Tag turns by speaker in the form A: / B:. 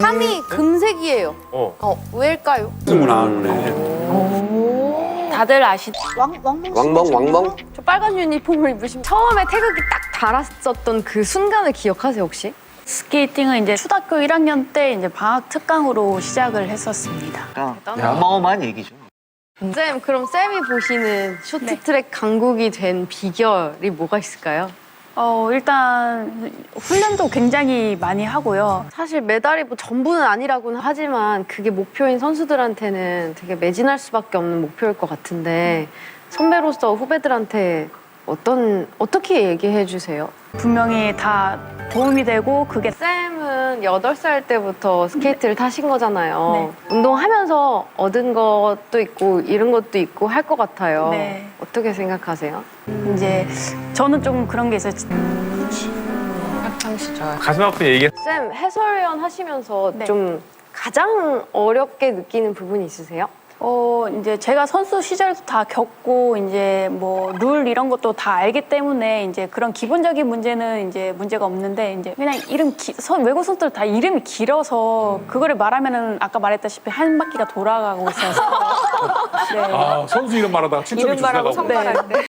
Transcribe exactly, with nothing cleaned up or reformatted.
A: 삼 위 금색이에요.
B: 어.
A: 어, 왜일까요?
C: 승부 나왔네.
D: 다들 아시
A: 왕, 왕멍
E: 왕멍 왕멍.
A: 저 빨간 유니폼을 입으신 처음에 태극이 딱 달았었던 그 순간을 기억하세요 혹시?
D: 스케이팅은 이제 초등학교 일 학년 때 이제 방학 특강으로 시작을 했었습니다.
E: 어마어마한 얘기죠.
A: 쌤, 그럼 쌤이 보시는 쇼트트랙 강국이 된 비결이 뭐가 있을까요?
D: 어, 일단 훈련도 굉장히 많이 하고요.
A: 사실 메달이 뭐 전부는 아니라고는 하지만 그게 목표인 선수들한테는 되게 매진할 수밖에 없는 목표일 것 같은데 선배로서 후배들한테 어떤 어떻게 얘기해 주세요?
D: 분명히 다 도움이 되고 그게
A: 쌤은 여덟 살 때부터 스케이트를 타신 거잖아요.
D: 네.
A: 운동하면서 얻은 것도 있고 잃은 것도 있고 할 것 같아요.
D: 네.
A: 어떻게 생각하세요?
D: 이제 저는 좀 그런 게 있어요.
A: 학창 시절.
B: 가슴 아픈 얘기.
A: 쌤, 해설위원 하시면서
D: 네.
A: 좀 가장 어렵게 느끼는 부분이 있으세요?
D: 어, 이제 제가 선수 시절도 다 겪고 이제 뭐 룰 이런 것도 다 알기 때문에 이제 그런 기본적인 문제는 이제 문제가 없는데 이제 그냥 이름 기, 선, 외국 선수들 다 이름이 길어서 그거를 말하면은 아까 말했다시피 한 바퀴가 돌아가고 있어서 네.
C: 아, 선수 이름 말하다가 칠점이
A: 이름 말하고
C: 주시다가
A: 선발할 때.